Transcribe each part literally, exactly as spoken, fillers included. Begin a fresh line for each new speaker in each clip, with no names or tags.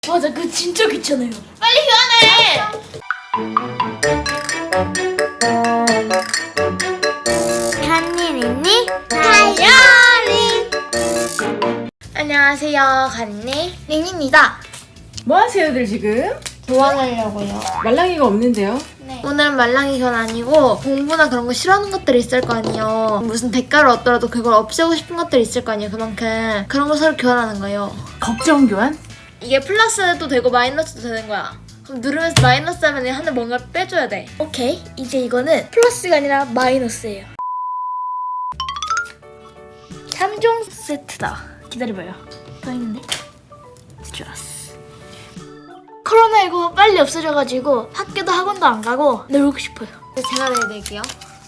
맞아, 그거 진짜 귀찮아요.
빨리 교환해.
간일 있니? 다이어리.
안녕하세요, 간니
링입니다.
뭐 하세요들 지금?
교환하려고요.
말랑이가 없는데요?
네. 오늘은 말랑이 교환 아니고 공부나 그런 거 싫어하는 것들이 있을 거 아니에요. 무슨 대가를 얻더라도 그걸 없애고 싶은 것들이 있을 거 아니에요. 그만큼 그런 거 서로 교환하는 거예요.
걱정 교환?
이게 플러스도 되고 마이너스도 되는 거야. 그럼 누르면서 마이너스 하면 하나 뭔가를 빼줘야 돼.
오케이, 이제 이거는 플러스가 아니라 마이너스예요. 삼 종 세트다. 기다려봐요. 더 있는데? 좋았어. 코로나십구 빨리 없어져가지고 학교도 학원도 안 가고 놀고 싶어요.
제가 내드릴게요.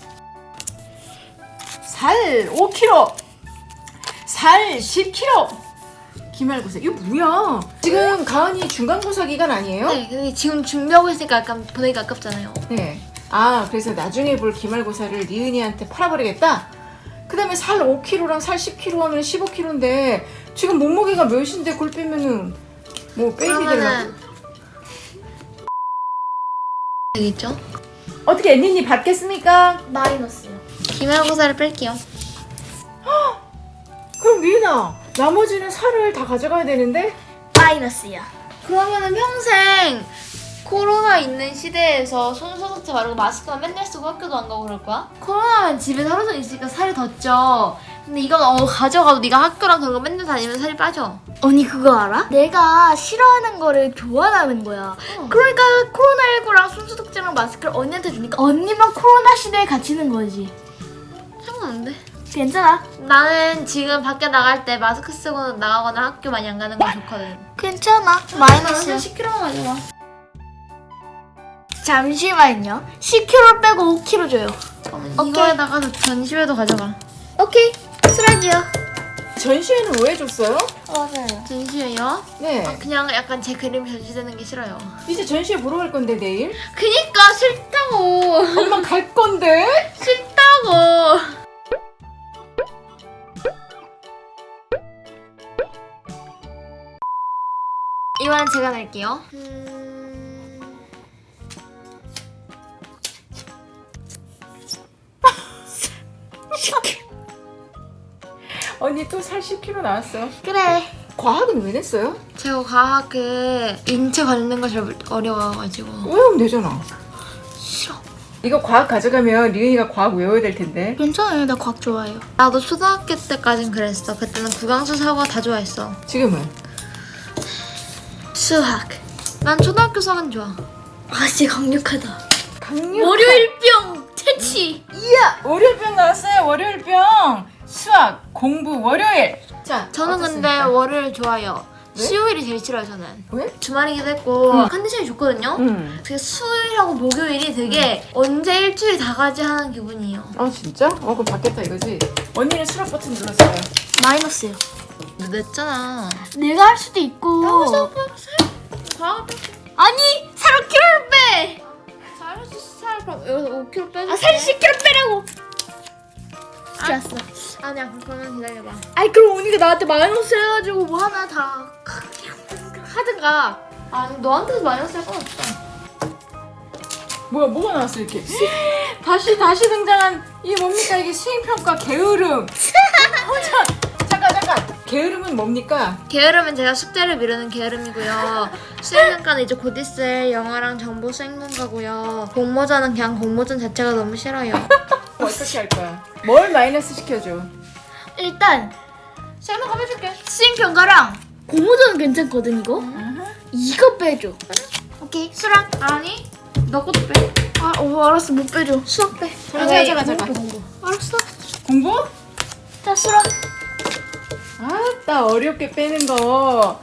살 오 킬로그램, 살 십 킬로그램. 기말고사 이거 뭐야? 지금 가은이 중간고사 기간 아니에요?
네, 근데 지금 준비하고 있으니까 약간 보내기 아깝잖아요.
네. 아 그래서 나중에 볼 기말고사를 리은이한테 팔아버리겠다? 그 다음에 살 오 킬로그램랑 살 십 킬로그램 하면 십오 킬로그램인데 지금 몸무게가 몇인데 그걸 빼면은 뭐 베이비 되려고?
되겠죠?
어떻게 앤니님 받겠습니까?
마이너스요.
기말고사를 뺄게요.
그럼 리은아 나머지는 살을 다 가져가야 되는데?
마이너스야.
그러면은 평생 코로나 있는 시대에서 손소독제 바르고 마스크만 맨날 쓰고 학교도 안 가고 그럴 거야? 코로나면 집에 하루 종일 있으니까 살이 더 쪄. 근데 이건 어 가져가도 네가 학교랑 그런 거 맨날 다니면 살이 빠져.
언니 그거 알아? 내가 싫어하는 거를 교환하는 거야.
어.
그러니까 코로나십구랑 손소독제랑 마스크를 언니한테 주니까 언니만 코로나 시대에 갇히는 거지.
상관없는데.
괜찮아.
나는 지금 밖에 나갈 때 마스크 쓰고 나가거나 학교 많이 안 가는 건 좋거든.
괜찮아. 마이너스야.
십 킬로그램만 가져가.
잠시만요. 십 킬로그램 빼고 오 킬로그램 줘요. 오케이.
이거에다가 전시회도 가져가.
오케이. 수락이요.
전시회는 왜 줬어요?
맞아요.
전시회요?
네.
그냥 약간 제 그림 전시되는 게 싫어요.
이제 전시회 보러 갈 건데 내일?
그니까 싫다고.
엄마 갈 건데?
싫다고. 이번엔 제가 낼게요. 음...
언니 또 살 십 킬로그램 나왔어.
그래.
과학은 왜 냈어요?
제가 과학 그 인체 관련된 거 잘 어려워가지고
외우면 되잖아.
싫어.
이거 과학 가져가면 리은이가 과학 외워야 될 텐데.
괜찮아요. 나 과학 좋아해요.
나도 초등학교 때까진 그랬어. 그때는 국영수 사과 다 좋아했어.
지금은?
수학.
난 초등학교 수학은 좋아.
아, 진짜 강력하다.
강력.
월요일병 퇴치.
이야! 월요일병 나왔어요. 월요일병. 수학, 공부, 월요일. 자,
저는
어떻습니까?
근데 월요일 좋아요.
왜?
수요일이 제일 싫어요 저는.
왜?
주말이기도 했고
응.
컨디션이 좋거든요.
응.
그게 수요일하고 목요일이 되게 언제 일주일이 다 가지 하는 기분이에요.
아 진짜? 어 그럼 받겠다 이거지? 언니는 수락 버튼 눌렀어요.
마이너스요.
너 냈잖아.
내가 할 수도 있고.
과학
아니, 살 오 킬로그램 빼.
잘해서 살 그럼 여기서 오 킬로그램 빼줄게.
아, 살 십 킬로그램 빼라고. 좋았어.
아니야 그러면 기다려봐.
아이, 그럼 언니가 나한테 마이너스 해가지고 뭐 하나 다 하든가.
아니 너한테도 마이너스 할 건 없어.
뭐야 뭐가 나왔어 이렇게? 다시 다시 등장한 이게 뭡니까 이게 수행평가 게으름. 혼자 잠깐 잠깐. 게으름은 뭡니까?
게으름은 제가 숙제를 미루는 게으름이고요. 수행평가는 이제 곧 있을 영어랑 정보 수행평가고요. 공모전은 그냥 공모전 자체가 너무 싫어요.
어떻게 할 거야? 뭘 마이너스 시켜줘?
일단
수행평가 해줄게.
수행평가랑 고무전은 괜찮거든 이거. 이거 빼줘. 오케이, 수락.
아니 너 것도 빼.
아, 어, 알았어. 못 빼줘. 수락 빼.
잠깐 잠깐 잠깐 잠깐.
공부. 알았어.
공부?
자, 수락.
아따 어렵게 빼는 거.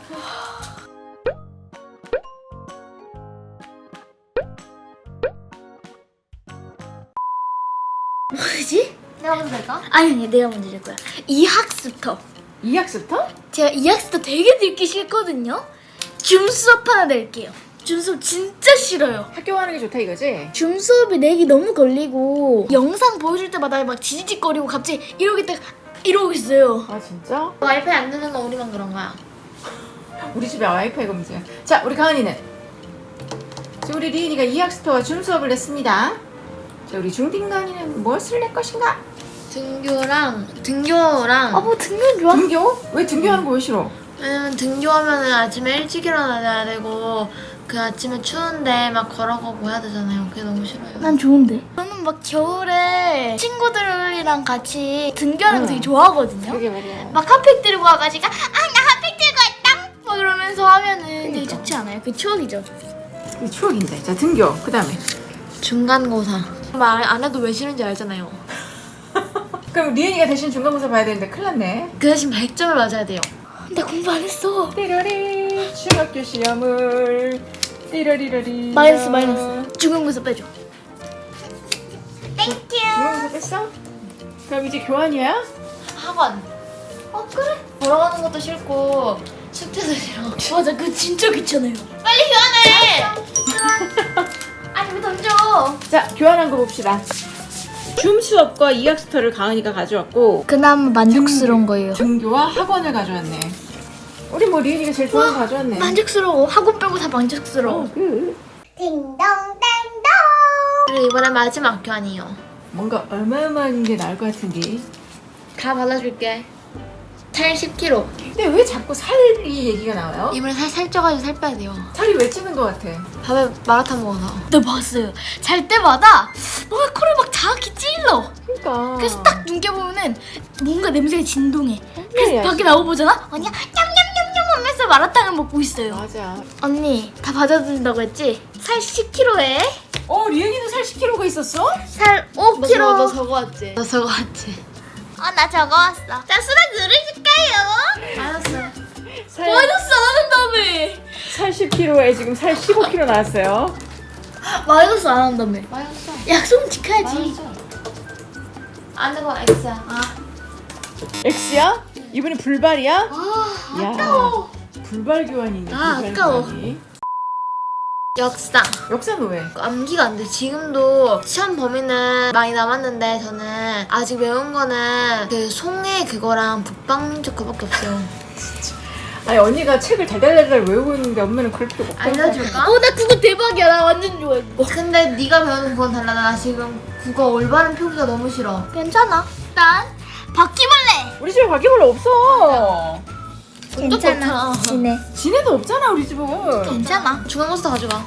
뭐지?
내가 먼저 될까?
아니, 아니, 내가 먼저 줄 거야. 이 학습터.
이 학습터?
제가 이 학습터 되게 듣기 싫거든요. 줌 수업 하나 낼게요. 줌 수업 진짜 싫어요.
학교 가는 게 좋다 이거지?
줌 수업이 내기 너무 걸리고 영상 보여줄 때마다 막 지지직거리고 갑자기 이러겠다 이러고 있어요.
아 진짜?
와이파이 안 되는 건 우리만 그런 거야.
우리 집에 와이파이가 문제야. 자, 우리 가은이는 지금 우리 리은이가 이학스터와 줌 수업을 냈습니다. 자, 우리 중딩 가은이는 무엇을 낼 것인가?
등교랑 등교랑
아 뭐 등교 좋아?
등교? 왜 등교하는 거 왜 싫어?
왜냐면 등교하면은 아침에 일찍 일어나야 되고 그 아침에 추운데 막 걸어가고 해야 되잖아요. 그게 너무 싫어요.
난 좋은데. 저는 막 겨울에 친구들이랑 같이 등교하는 거
응.
되게 좋아하거든요.
그게 말이야.
막 핫팩 들고 와가지고 아 나 핫팩 들고 왔다 막 이러면서 하면은 되게
그러니까.
좋지 않아요? 그 추억이죠.
이 추억인데. 자, 등교. 그 다음에.
중간고사. 말 안 해도 왜 싫은지 알잖아요.
그럼 리은이가 대신 중간고사 봐야 되는데 큰일 났네.
그 대신 백 점을 맞아야 돼요.
근데 공부 안 했어.
띠러리 중학교 시험을 띠러리러리
마이너스 마이너스. 중간고사 빼줘. 땡큐.
중간고사 뺐어? 그럼 이제 교환이야?
학원. 어 그래. 걸어가는 것도 싫고 숙제도 싫어.
맞아, 그거 진짜 귀찮아요.
빨리 교환해. 아니 왜 던져?
자, 교환한 거 봅시다. 줌 수업과 이학스터를 가은이가 가져왔고
그나마 만족스러운 거예요.
등교와 학원을 가져왔네. 우리 뭐 리은이가 제일 좋아하는 거 가져왔네.
만족스러워. 학원 빼고 다 만족스러워.
어, 그
그리고 이번에 마지막 교환이요.
뭔가 어마어마한 게 나올 것 같은데.
다 발라줄게. 살 십 킬로그램.
근데 왜 자꾸 살이 얘기가 나와요?
이번에 살 살쪄가지고 살 빼야 돼요.
살이 왜 찌는 것 같아?
밥에 마라탕 먹어서.
네, 봤어요. 잘 때마다 뭔가 코를 막 자극히 찔러.
그러니까.
그래서 딱 눈 껴보면은 뭔가 냄새가 진동해. 그래서
그래야지.
밖에 나와보잖아? 언니가 냠냠냠냠 하면서 마라탕을 먹고 있어요.
맞아.
언니, 다 받아준다고 했지? 살 십 킬로그램에
어, 리은이도 살 십 킬로그램가 있었어?
살 오
너,
킬로그램.
너, 너 저거 왔지? 너 저거 왔지?
어, 나 저거 왔어. 자, 수락 누르실까요?
알았어.
살,
마이너스 안 한다며.
살 십 킬로그램에 지금 살 십오 킬로그램 나왔어요.
마이너스 안 한다며.
맞았어.
약속 지켜야지.
맞았어. 안 되고 X야. 아.
X야? 이번에 불발이야?
아,
야,
아까워.
불발 교환이네.
아,
불발
아까워.
교환이.
역사.
역사는 왜?
암기가 안 돼. 지금도 시험 범위는 많이 남았는데 저는 아직 외운 거는 그 송해 그거랑 북방민족 그밖에 없어요.
아니, 언니가 책을 달달달달 외우고 있는데 엄마는 그럴 필요가 없다고.
알려줄까?
어, 나 그거 대박이야. 나 완전 좋아해, 그거.
근데 네가 배우는 그건 달라. 나 지금 국어 올바른 표기가 너무 싫어.
괜찮아. 일단 바퀴벌레.
우리 집에 바퀴벌레 없어.
본 적도 없잖아.
지네.
지네도 없잖아, 우리 집은.
괜찮아.
중간고사 가져가.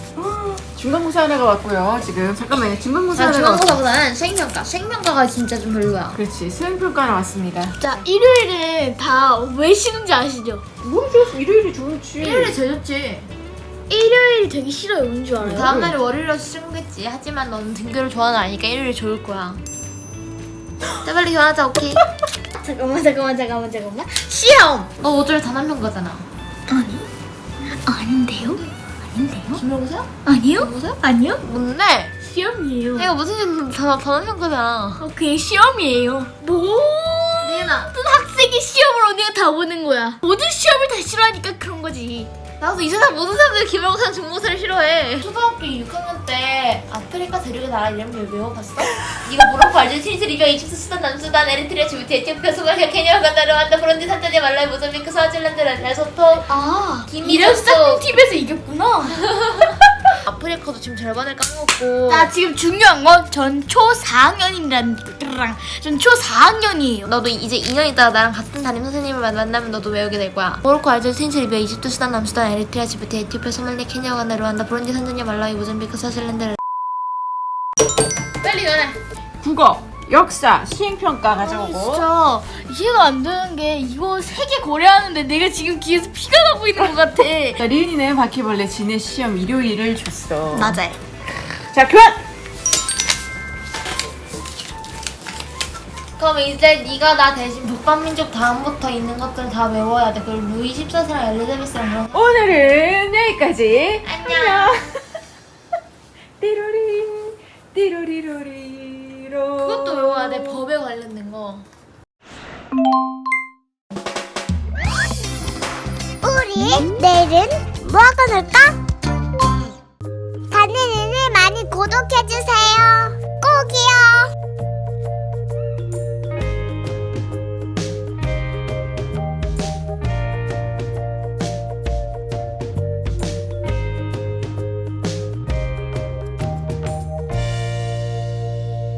중간고사 하나가 왔고요. 지금 잠깐만요. 중간고사
아,
하나가 왔...
중간고사보다는 수행평가. 수행평가가 진짜 좀 별로야.
그렇지. 수행평가 하나 왔습니다.
자, 일요일은 다 왜 쉬는지 아시죠?
모르겠어. 일요일이 좋지.
일요일이 제일 좋지.
일요일이 되게 싫어요. 왠 줄 알아요?
다음 날이 월요일이라서 싫겠지. 하지만 너는 등교를 좋아하는 아니까 일요일이 좋을 거야. 자 빨리 교환하자. 오케이.
잠깐만, 잠깐만, 잠깐만, 잠깐만.
시험. 너 오늘 단한평가잖아.
아니, 아닌데요? 아닌데요?
기말고사야?
아니요?
기말고사야?
아니요?
뭔데?
시험이에요.
이거 무슨 단 단한평가잖아.
어, 그게 시험이에요. 모든
리은아.
학생이 시험을 언니가 다 보는 거야. 모든 시험을 다 싫어하니까 그런 거지.
나도 이 세상 모든 사람들이 기말고사랑 중고사를 싫어해. 초등학교 육 학년 때 아프리카 대륙의 나라 이름을 외워봤어? 네가 모로코, 알제리, 리비아, 이집트, 수단, 남수단, 에리트리아, 지부티, 에티오피아, 소말리아, 케냐, 우간다, 르완다, 브룬디, 탄자니아, 말라위, 모자비크, 스와질랜드, 레소토.
아,
김이
이래서
졌어.
짝꿍 팁에서 이겼구나.
아프리카도 지금 절반을 까먹었고.
나 지금 중요한 건 전 초 사 학년이란 전초 사 학년이에요.
너도 이제 이 년 있다가 나랑 같은 담임 선생님을 만나면 너도 외우게 될 거야. 모로코, 알제리, 튜니스, 리비아, 이집트, 수단, 남수단, 에리트리아, 지부티, 에티오피아, 소말리아, 케냐, 우간다, 르완다, 브룬디, 탄자니아, 말라위, 모자비크, 스와질랜드. 빨리 연해.
국어, 역사, 수행평가 가져오고.
진짜 이해가 안 되는 게 이거 세 개 고려하는데 내가 지금 귀에서 피가 나고 있는 것 같아.
자, 리은이는 바퀴벌레 지네 시험 일요일을 줬어.
맞아요.
자, 교환!
그럼 이제 네가 나 대신 북방민족 다음부터 있는 것들 다 외워야 돼. 그리고 루이 십사 세랑 엘리자베스랑 그런 거.
오늘은 여기까지.
안녕.
띠로리, 띠로리로리로.
그것도 외워야 돼. 법에 관련된 거.
우리 내일은 뭐 하고 놀까? 다니는 일 많이 구독해주세요.